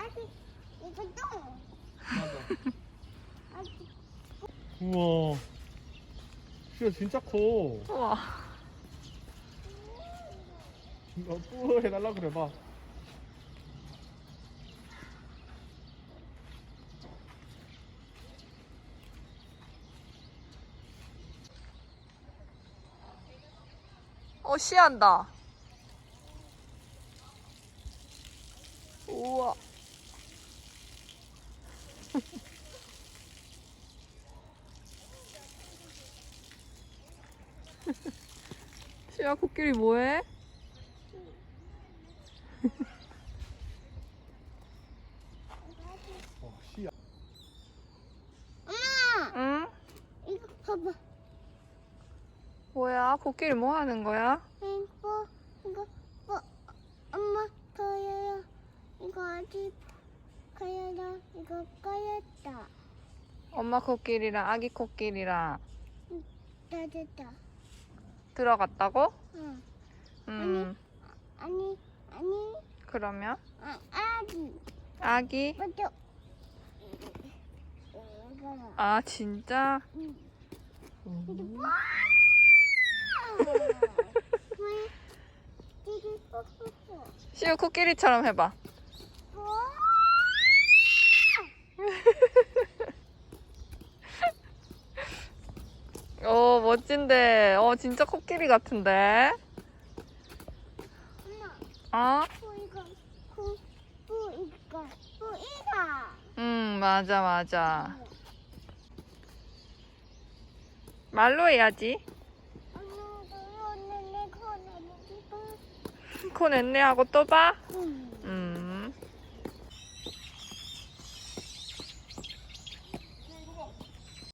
아직 이거 똥. 맞아. 아직 우와. 시야 진짜 커. 우와. 뿌 해달라 그래 봐. 씨한다. 우와. 시야 코끼리 뭐해? 시야. 엄마 응? 이거 봐봐. 뭐야? 코끼리 뭐 하는 거야? 이거 엄마 거예요. 이거 아직 거예요. 이거 거였다. 엄마 코끼리랑 아기 코끼리랑 다 들어갔다고? 응. 음, 아니 그러면 아기 아기? 먼저 이거 아, 진짜? 시우 코끼리처럼 해봐. 오, 멋진데. 진짜 코끼리 같은데? 어? 맞아, 맞아. 말로 해야지. 코 냈네 하고 또 봐? 응.